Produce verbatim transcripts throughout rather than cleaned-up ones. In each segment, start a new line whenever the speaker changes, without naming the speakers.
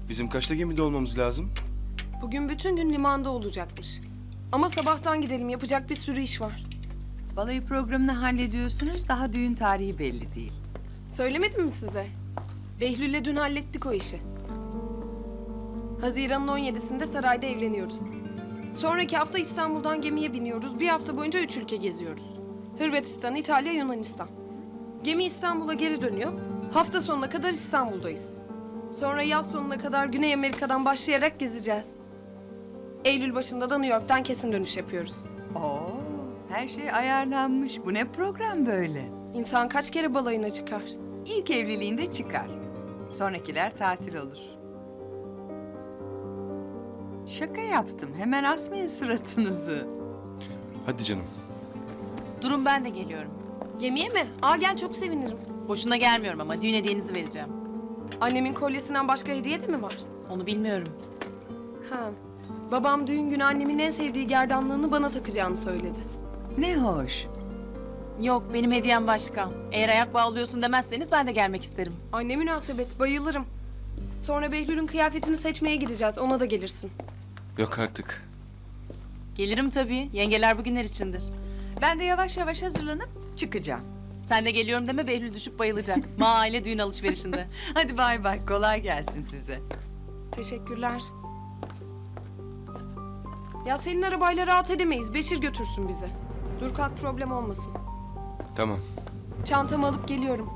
Bizim kaçta gemide olmamız lazım?
Bugün bütün gün limanda olacakmış. Ama sabahtan gidelim, yapacak bir sürü iş var.
Balayı programını hallediyorsunuz, daha düğün tarihi belli değil.
Söylemedim mi size? Behlül'le dün hallettik o işi. Haziran'ın on yedisinde sarayda evleniyoruz. Sonraki hafta İstanbul'dan gemiye biniyoruz. Bir hafta boyunca üç ülke geziyoruz. Hırvatistan, İtalya, Yunanistan. Gemi İstanbul'a geri dönüyor. Hafta sonuna kadar İstanbul'dayız. Sonra yaz sonuna kadar Güney Amerika'dan başlayarak gezeceğiz. Eylül başında da New York'tan kesin dönüş yapıyoruz.
Oo, her şey ayarlanmış. Bu ne program böyle?
İnsan kaç kere balayına çıkar?
İlk evliliğinde çıkar. Sonrakiler tatil olur. Şaka yaptım. Hemen asmayın suratınızı.
Hadi canım.
Durun ben de geliyorum.
Gemiye mi? Aa gel, çok sevinirim.
Boşuna gelmiyorum ama düğün hediyenizi vereceğim.
Annemin kolyesinden başka hediye de mi var?
Onu bilmiyorum.
Ha. Babam düğün günü annemin en sevdiği gerdanlığını bana takacağını söyledi.
Ne hoş.
Yok benim hediyem başka. Eğer ayak bağlıyorsun demezseniz ben de gelmek isterim.
Anne münasebet, bayılırım. Sonra Behlül'ün kıyafetini seçmeye gideceğiz, ona da gelirsin.
Yok artık.
Gelirim tabii. Yengeler bugünler içindir.
Ben de yavaş yavaş hazırlanıp çıkacağım.
Sen de geliyorum deme, Behlül düşüp bayılacak. Ma aile düğün alışverişinde.
Hadi bay bay. Kolay gelsin size.
Teşekkürler. Ya senin arabayla rahat edemeyiz, Beşir götürsün bizi. Dur kalk, problem olmasın.
Tamam.
Çantamı alıp geliyorum.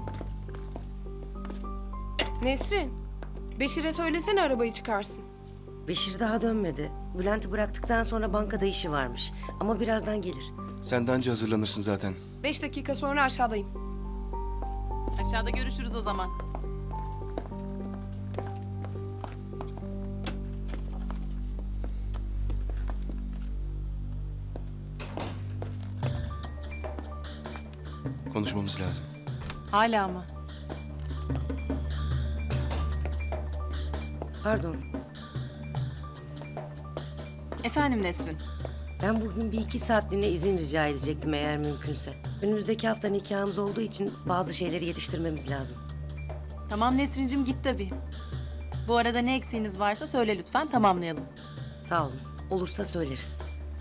Nesrin, Beşir'e söylesene arabayı çıkarsın.
Beşir daha dönmedi. Bülent'i bıraktıktan sonra bankada işi varmış. Ama birazdan gelir.
Sen de anca hazırlanırsın zaten.
Beş dakika sonra aşağıdayım.
Aşağıda görüşürüz o zaman.
Konuşmamız lazım.
Hala mı?
Pardon.
Efendim Nesrin.
Ben bugün bir iki saatliğine izin rica edecektim eğer mümkünse. Önümüzdeki hafta nikahımız olduğu için bazı şeyleri yetiştirmemiz lazım.
Tamam Nesrin'cim, git tabii. Bu arada ne eksiğiniz varsa söyle lütfen, tamamlayalım.
Sağ olun. Olursa söyleriz.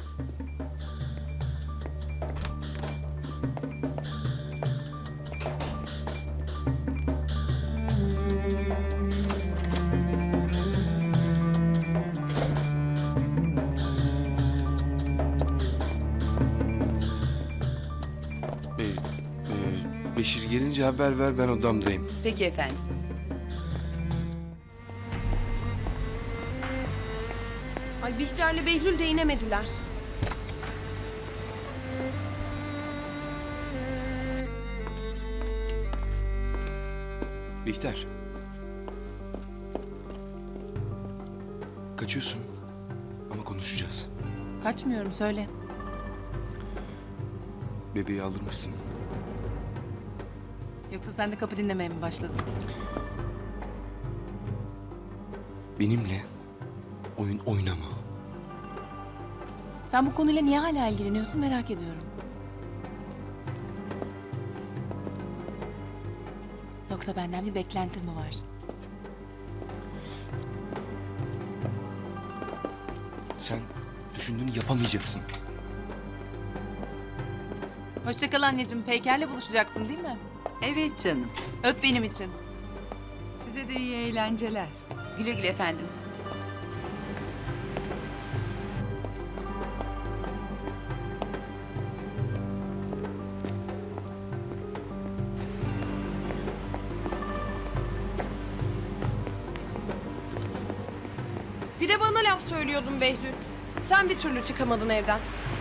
Ee, e, Beşir gelince haber ver, ben odamdayım.
Peki efendim.
Ay Bihter'le Behlül de inemediler.
Bihter. Kaçıyorsun. Ama konuşacağız.
Kaçmıyorum, söyle.
Bebeği aldırmışsın.
Yoksa sen de kapı dinlemeye mi başladın?
Benimle oyun oynama.
Sen bu konuyla niye hala ilgileniyorsun merak ediyorum. Yoksa benden bir beklentin mi var?
Sen düşündüğünü yapamayacaksın.
Hoşça kal anneciğim. Peyker'le buluşacaksın değil mi?
Evet canım.
Öp benim için.
Size de iyi eğlenceler.
Güle güle efendim.
Bir de bana laf söylüyordun Behlül. Sen bir türlü çıkamadın evden.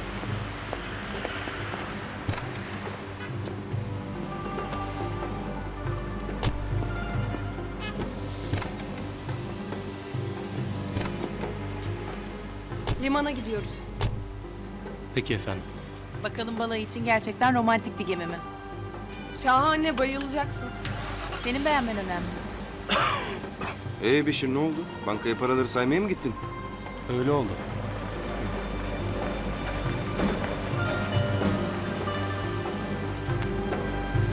Limana gidiyoruz.
Peki efendim.
Bakalım balayı için gerçekten romantik bir gemi mi?
Şahane, bayılacaksın.
Senin beğenmen önemli.
Ee Beşir, ne oldu? Bankaya paraları saymaya mı gittin?
Öyle oldu.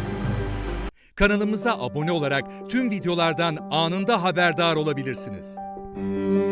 Kanalımıza abone olarak tüm videolardan anında haberdar olabilirsiniz.
Müzik